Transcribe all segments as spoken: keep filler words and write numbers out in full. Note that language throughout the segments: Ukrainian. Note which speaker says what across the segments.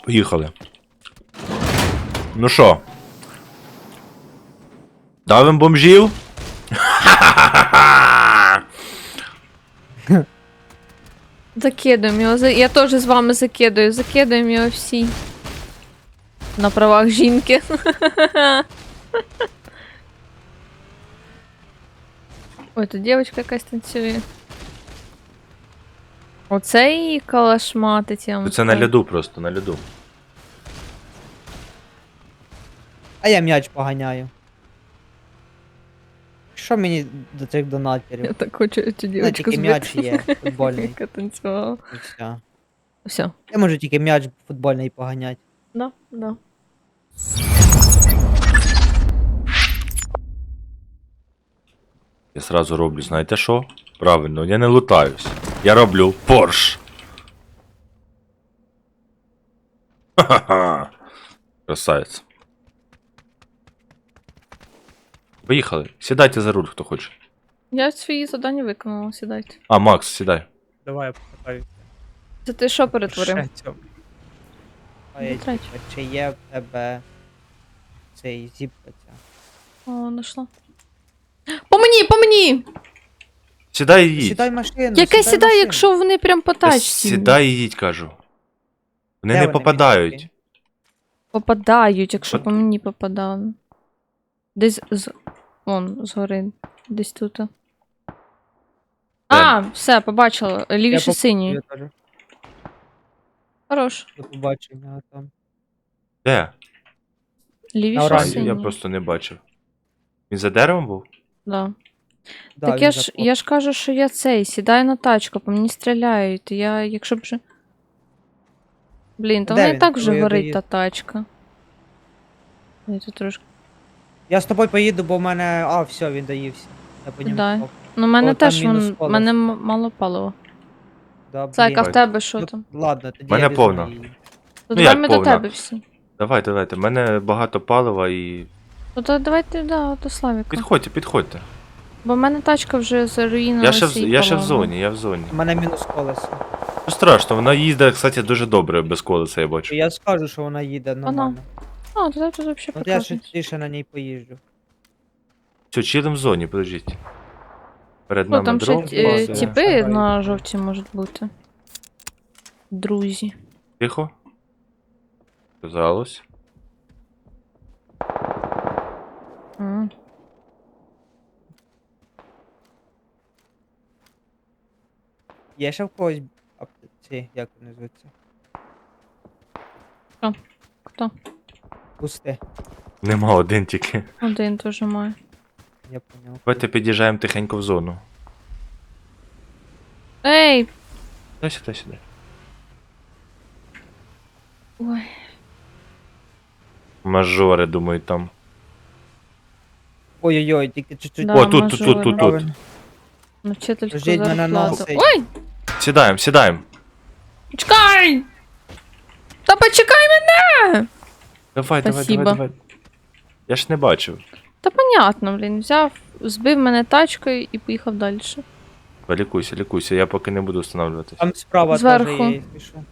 Speaker 1: Поїхали. Ну що? Давим бомжів?
Speaker 2: Закидуємо його. Я теж з вами закидую. Закидуємо його всі. На правах жінки. Ой, тут дівчинка якась танцює. Оцей калашматить, я вам
Speaker 1: Це на
Speaker 2: скажу.
Speaker 1: льоду просто, на льоду.
Speaker 3: А я м'яч поганяю. Що мені до цих донатерів?
Speaker 2: Я так хочу цю
Speaker 3: Ну,
Speaker 2: дівчинку
Speaker 3: тільки м'яч є, футбольний.
Speaker 2: Яка танцювала.
Speaker 3: І все.
Speaker 2: Все.
Speaker 3: Я можу тільки м'яч футбольний поганяти.
Speaker 2: Да, да.
Speaker 1: Я сразу роблю, знаєте що? Правильно, я не лутаюсь. Я роблю Порш. Ха-ха-ха. Красавець. Поїхали. Сідайте за руль, хто хоче.
Speaker 2: Я свої завдання виконала, сідайте.
Speaker 1: А, Макс, сідай.
Speaker 3: Давай я покатаю.
Speaker 2: Це ти що перетворив?
Speaker 3: Ой,
Speaker 2: третє.
Speaker 3: Чи є в тебе цей зіпка ця?
Speaker 2: О, нашла. По мені, по мені!
Speaker 1: Сідай і їдь.
Speaker 3: Сідай в машину.
Speaker 2: Яке
Speaker 3: в
Speaker 2: сідає,
Speaker 3: машину.
Speaker 2: якщо вони прям по
Speaker 1: Та
Speaker 2: тачці?
Speaker 1: Сідай і їдь, кажу. Вони
Speaker 3: Де
Speaker 1: не
Speaker 3: вони,
Speaker 1: попадають.
Speaker 3: мітки?
Speaker 2: Попадають, якщо
Speaker 1: От-
Speaker 2: по мені попадали. Десь з. Вон, згори. Десь тут. А, все, побачила.
Speaker 3: Я
Speaker 2: Лівіше
Speaker 3: поп-
Speaker 2: синій.
Speaker 3: я теж.
Speaker 2: Хорош.
Speaker 3: До побачення там.
Speaker 1: Де?
Speaker 2: Лівіше
Speaker 3: На
Speaker 1: А,
Speaker 3: оранжевій.
Speaker 2: синій.
Speaker 1: я просто не бачив. Він за деревом був?
Speaker 2: Да.
Speaker 3: Да,
Speaker 2: Так
Speaker 3: він
Speaker 2: я ж,
Speaker 3: запов-
Speaker 2: я ж кажу, що я цей, сідаю на тачку, по мені стріляють. Я, якщо б вже. Блін, то
Speaker 3: Де
Speaker 2: вона і
Speaker 3: він?
Speaker 2: так вже
Speaker 3: Ви
Speaker 2: горить
Speaker 3: доїзд-
Speaker 2: та тачка. Я тут трошки.
Speaker 3: Я з тобою поїду, бо в мене. А, все, він доївся. Я по ньому
Speaker 2: Да.
Speaker 3: попав.
Speaker 2: Ну, в мене
Speaker 3: О, там
Speaker 2: теж
Speaker 3: мінус
Speaker 2: вон,
Speaker 3: колесо.
Speaker 2: мене м- мало палива.
Speaker 3: Да,
Speaker 2: Зайка,
Speaker 3: блін.
Speaker 2: в тебе що
Speaker 3: Ну,
Speaker 2: там?
Speaker 3: Ладно, тоді
Speaker 1: Мене
Speaker 3: я візьму
Speaker 1: повна.
Speaker 3: її.
Speaker 2: То
Speaker 1: Ну,
Speaker 2: давай
Speaker 1: як
Speaker 2: ми до
Speaker 1: повна?
Speaker 2: тебе всі.
Speaker 1: Давайте, давайте. У мене багато палива і.
Speaker 2: Ну то давайте, да, до Славіка.
Speaker 1: Підходьте, підходьте.
Speaker 2: Бо в мене тачка вже заруїнилася.
Speaker 1: Я ще, в,
Speaker 2: і
Speaker 1: я ще в
Speaker 2: палива.
Speaker 1: зоні, я в зоні.
Speaker 3: У мене мінус колесо.
Speaker 1: Ну страшно, вона їздить, кстати, дуже добре без колеса, я бачу.
Speaker 3: Я скажу, що вона їде нормально.
Speaker 2: А, то тут взагалі
Speaker 3: От я
Speaker 2: прекрасно.
Speaker 3: ще тише на ній поїжджу.
Speaker 1: Все, чилим в зоні, подождіть. Перед
Speaker 2: Ну,
Speaker 1: нами
Speaker 2: там ще
Speaker 1: дрон.
Speaker 2: ті-
Speaker 3: бази.
Speaker 2: е, тіпи
Speaker 3: Шагаю.
Speaker 2: на жовті можуть бути. Друзі.
Speaker 1: Тихо. Казалось.
Speaker 2: М.
Speaker 3: Є ще в когось ап- ці, як вони звуться?
Speaker 2: Хто?
Speaker 3: Пусти,
Speaker 1: Нема один тільки.
Speaker 2: Один теж має.
Speaker 3: я поняв.
Speaker 1: Давайте під'їжджаємо тихенько в зону.
Speaker 2: Ей!
Speaker 1: Дай сюди, сюди.
Speaker 2: Ой.
Speaker 1: Мажори, думаю, там.
Speaker 3: Ой-ой-ой, тільки чуть-чуть.
Speaker 2: Да,
Speaker 1: О, тут, тут, тут,
Speaker 2: мажори.
Speaker 1: тут, тут.
Speaker 3: Правильно.
Speaker 2: На вчительську
Speaker 3: Ждіть мене на
Speaker 2: зарплату.
Speaker 3: цей.
Speaker 2: Ой!
Speaker 1: Сідаємо, сідаємо.
Speaker 2: Чекай! Та почекай мене!
Speaker 1: Давай, давай,
Speaker 2: Спасибо.
Speaker 1: давай, давай. Я ж не бачив.
Speaker 2: Та понятно, блін, взяв, збив мене тачкою і поїхав далі.
Speaker 1: Лікуйся, лікуйся, я поки не буду встановлюватись.
Speaker 3: Там справа
Speaker 2: Зверху.
Speaker 3: теж є, якщо що.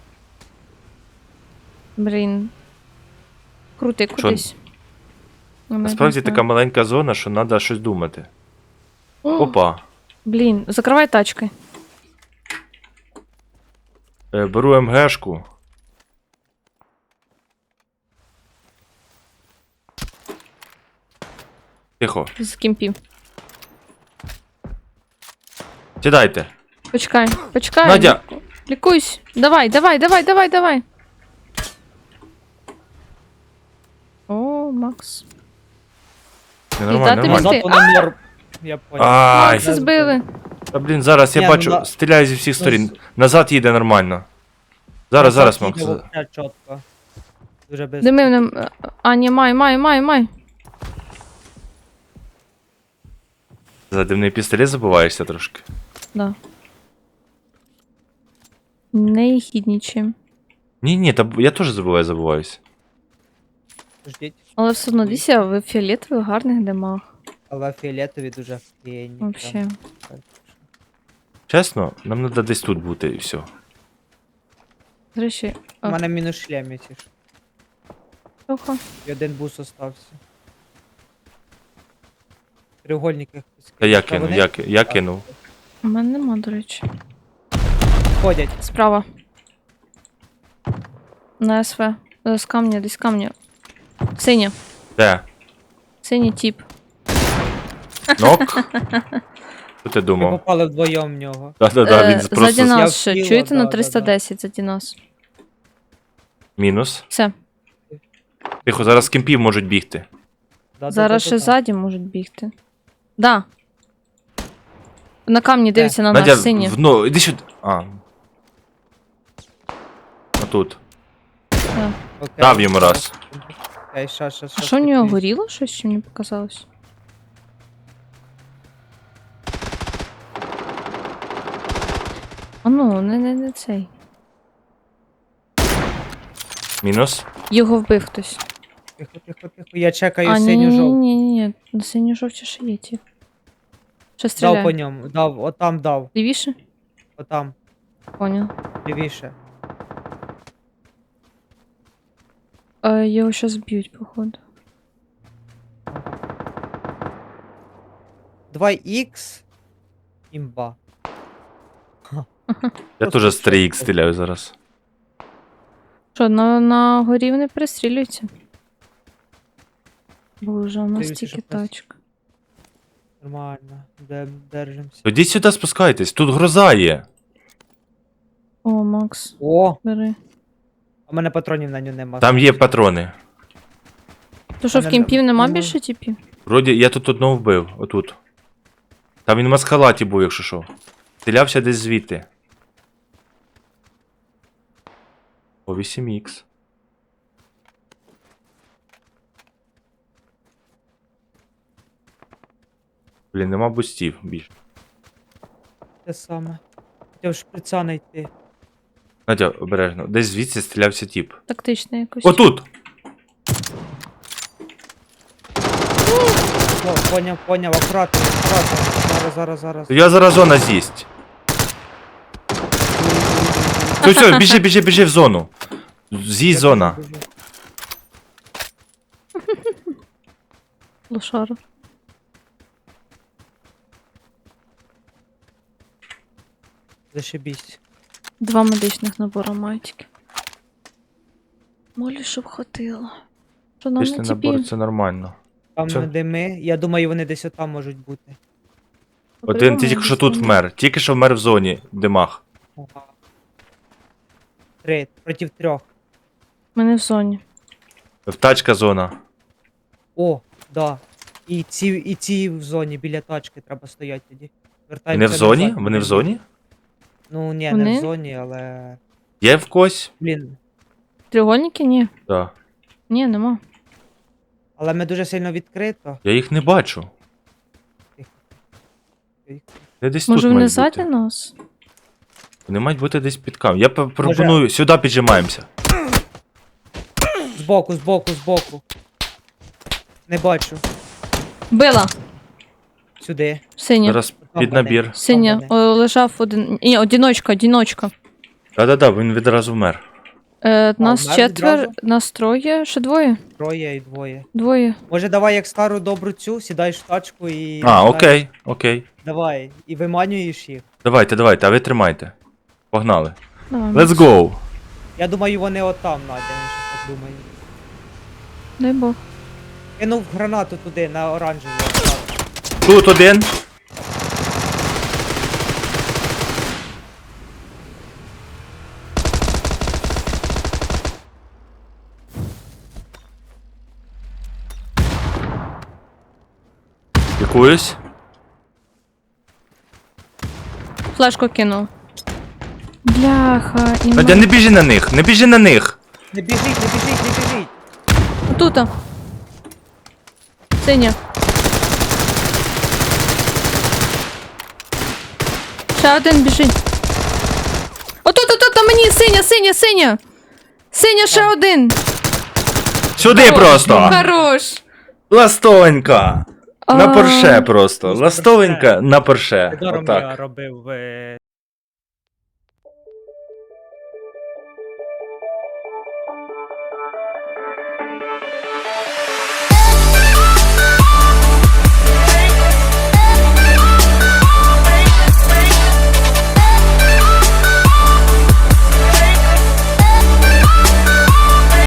Speaker 2: Блін. Крути кудись. Ну, навіть
Speaker 1: Насправді
Speaker 2: не знаю.
Speaker 1: така маленька зона, що треба щось думати.
Speaker 2: О,
Speaker 1: Опа.
Speaker 2: Блін, закривай тачки.
Speaker 1: Е, беру МГшку. Тихо.
Speaker 2: З кімпів.
Speaker 1: Сідайте.
Speaker 2: Почекай, почекай.
Speaker 1: Надя.
Speaker 2: Лікуйсь. Давай, давай, давай, давай, давай. О, Макс.
Speaker 1: Не, нормально,
Speaker 2: дати
Speaker 1: нормально.
Speaker 2: мені-
Speaker 3: Назад воно норм. Я поняв.
Speaker 1: Ай.
Speaker 2: Макса збили.
Speaker 1: Та блін, зараз я
Speaker 3: Ні, ну
Speaker 1: бачу,
Speaker 3: на-
Speaker 1: стріляю зі всіх сторін.
Speaker 3: Ну,
Speaker 1: Назад їде нормально. Зараз, зараз, Макс.
Speaker 3: Їде вообще чітко. Дуже без.
Speaker 2: Дими нам. А, ні, май, май, май, май.
Speaker 1: За димний пістолет забуваєшся трошки.
Speaker 2: Да. Не хіднічим.
Speaker 1: Ні, ні, та я теж забуваю, забуваюсь.
Speaker 3: Ждіть.
Speaker 2: Але все одно дивіться, ви в фіолетових гарних димах.
Speaker 3: Але фіолетові дуже офігенні.
Speaker 2: Вообще.
Speaker 3: прям.
Speaker 1: Чесно, нам треба десь тут бути і все.
Speaker 2: До речі,
Speaker 3: У
Speaker 2: А.
Speaker 3: мене мінус шлем, якщо що.
Speaker 2: трохи.
Speaker 3: І один бус остався. Треугольники хтось
Speaker 1: Та я
Speaker 3: кинув. Та
Speaker 1: кинув,
Speaker 3: вони
Speaker 1: я, ки- я кинув.
Speaker 2: У мене нема, до речі.
Speaker 3: ходять.
Speaker 2: Справа. На СВ. Е, З камня, десь камня. Синя.
Speaker 1: Де?
Speaker 2: Синій тіп.
Speaker 1: Нок? Що ти
Speaker 3: Ми
Speaker 1: думав?
Speaker 3: попали вдвоєм в нього.
Speaker 1: Да-да-да,
Speaker 2: Е,
Speaker 1: він
Speaker 2: Ззаді
Speaker 1: просто...
Speaker 3: Я
Speaker 2: нас ще.
Speaker 3: втіла,
Speaker 2: Чуєте на
Speaker 3: да, да,
Speaker 2: триста десять ззаді нас?
Speaker 1: Мінус.
Speaker 2: Все.
Speaker 1: Тихо, зараз з кемпів можуть бігти.
Speaker 3: Да,
Speaker 2: Зараз
Speaker 3: да,
Speaker 2: ще
Speaker 3: да, да.
Speaker 2: ззаді можуть бігти. Да. На камні дивиться на
Speaker 1: Надя,
Speaker 2: нас сині.
Speaker 1: в... ну, іди сюди. А. Отут.
Speaker 2: Да.
Speaker 3: Окей.
Speaker 1: Дав йому раз.
Speaker 3: Окей, щас, щас,
Speaker 2: А
Speaker 3: щас,
Speaker 2: що в нього
Speaker 3: підвіз.
Speaker 2: горіло щось, чи мені показалось? А ну, не, не, не цей.
Speaker 1: Мінус.
Speaker 2: Його вбив хтось.
Speaker 3: Тихо, тихо, тихо. Я чекаю
Speaker 2: А, ні,
Speaker 3: синю
Speaker 2: ні,
Speaker 3: жовту.
Speaker 2: ні, ні, ні, на синю жовті ще є ті. Ще
Speaker 3: Дав по
Speaker 2: стріляє.
Speaker 3: ньому. Дав, отам дав.
Speaker 2: Лівіше?
Speaker 3: Отам.
Speaker 2: Понял.
Speaker 3: Лівіше.
Speaker 2: А, його щас б'ють, походу.
Speaker 3: два ікс. Імба.
Speaker 1: Я теж з три ікс стріляю зараз.
Speaker 2: Що, на, на горі вони перестрілюються? Боже, у нас
Speaker 3: Дивіться,
Speaker 2: тільки
Speaker 3: щоб нас-
Speaker 2: тачка.
Speaker 3: Нормально. Де, держимося.
Speaker 1: Тоді сюди спускайтесь, тут гроза є.
Speaker 2: О, Макс,
Speaker 3: О!
Speaker 2: бери.
Speaker 3: А в мене патронів на нього нема.
Speaker 1: Там є патрони.
Speaker 2: То що, в
Speaker 3: Мене-
Speaker 2: кімпів нема
Speaker 3: ну,
Speaker 2: більше типів?
Speaker 1: Вроді я тут одного вбив, отут. Там він в маскалаті був, якщо що. Стрілявся десь звідти. О, вісім ікс. Блін, нема бустів більше.
Speaker 3: Те саме. Хотів шприца знайти.
Speaker 1: Надя, обережно. Десь звідси стрілявся тіп.
Speaker 2: Тактично якось.
Speaker 1: Отут!
Speaker 3: О, поняв, поняв, акуратно, акуратно. Зараз, зараз, зараз.
Speaker 1: Я зараз зона з'їсть. Все, все, біжи, біжи, біжи в зону. З'їсть зона.
Speaker 2: Лошара.
Speaker 3: Зашибісь.
Speaker 2: Два медичних набори майтики. Молі, щоб хватило. Що нам
Speaker 1: Пішли
Speaker 2: не
Speaker 1: набор,
Speaker 2: тіпі?
Speaker 1: це нормально.
Speaker 3: Там
Speaker 1: Чо?
Speaker 3: дими. Я думаю, вони десь отам можуть бути.
Speaker 1: Один тільки що тут вмер. Тільки що вмер в зоні, в димах.
Speaker 3: Ага. Три. Проти трьох.
Speaker 2: Ми не в зоні.
Speaker 1: В тачка зона.
Speaker 3: О, да. І ці, і ці в зоні біля тачки треба стояти тоді.
Speaker 1: Вони
Speaker 3: Вертаємося
Speaker 1: в зоні?
Speaker 3: назад.
Speaker 1: Вони в зоні?
Speaker 3: Ну ні, не
Speaker 2: Вони?
Speaker 3: в зоні, але.
Speaker 1: Є в когось?
Speaker 3: Блін.
Speaker 2: Треугольники? Ні.
Speaker 1: Так.
Speaker 2: Ні, нема.
Speaker 3: Але ми дуже сильно відкрито.
Speaker 1: Я їх не бачу. Де десь
Speaker 2: Може
Speaker 1: тут
Speaker 2: вони
Speaker 1: мають
Speaker 2: ззаді
Speaker 1: бути.
Speaker 2: нас?
Speaker 1: Вони мають бути десь під кам. Я п- пропоную, сюди піджимаємося.
Speaker 3: Збоку, збоку, збоку. Не бачу.
Speaker 2: Била!
Speaker 3: Сюди.
Speaker 2: Синя.
Speaker 1: Зараз
Speaker 3: Там
Speaker 1: під
Speaker 3: вони.
Speaker 1: набір.
Speaker 2: Синя.
Speaker 3: Там
Speaker 2: О, лежав один. Ні, одіночка, одіночка.
Speaker 1: Да-да-да, він відразу вмер.
Speaker 2: Е, нас
Speaker 3: вмер
Speaker 2: четвер,
Speaker 3: відразу?
Speaker 2: нас троє, ще двоє.
Speaker 3: Троє і двоє.
Speaker 2: Двоє.
Speaker 3: Може, давай як стару добру цю, сідаєш в тачку і.
Speaker 1: А, окей, окей.
Speaker 3: Давай. І виманюєш їх.
Speaker 1: Давайте, давайте, а ви тримайте. Погнали.
Speaker 2: Давай,
Speaker 1: Let's
Speaker 2: Макс.
Speaker 1: go.
Speaker 3: Я думаю, вони отам, Надя, він щось так думає.
Speaker 2: Дай Бог.
Speaker 3: Кинув гранату туди, на оранжеву.
Speaker 1: Тут один. Якуюсь.
Speaker 2: Флешку кинув. Бляха, і
Speaker 1: Надя, не біжи на них, не біжи на них.
Speaker 3: Не біжіть, не біжіть, не біжіть.
Speaker 2: Отута. Синя. Ще один біжить. Отут, отут, на мені, синя, синя, синя. Синя, ще один.
Speaker 1: Сюди
Speaker 2: Хорош,
Speaker 1: просто.
Speaker 2: Хорош.
Speaker 1: Ластовенька. На
Speaker 2: А.
Speaker 1: порше просто.
Speaker 3: Просто
Speaker 1: Ластовенька на порше.
Speaker 3: Даром я
Speaker 1: Отак.
Speaker 3: робив. е,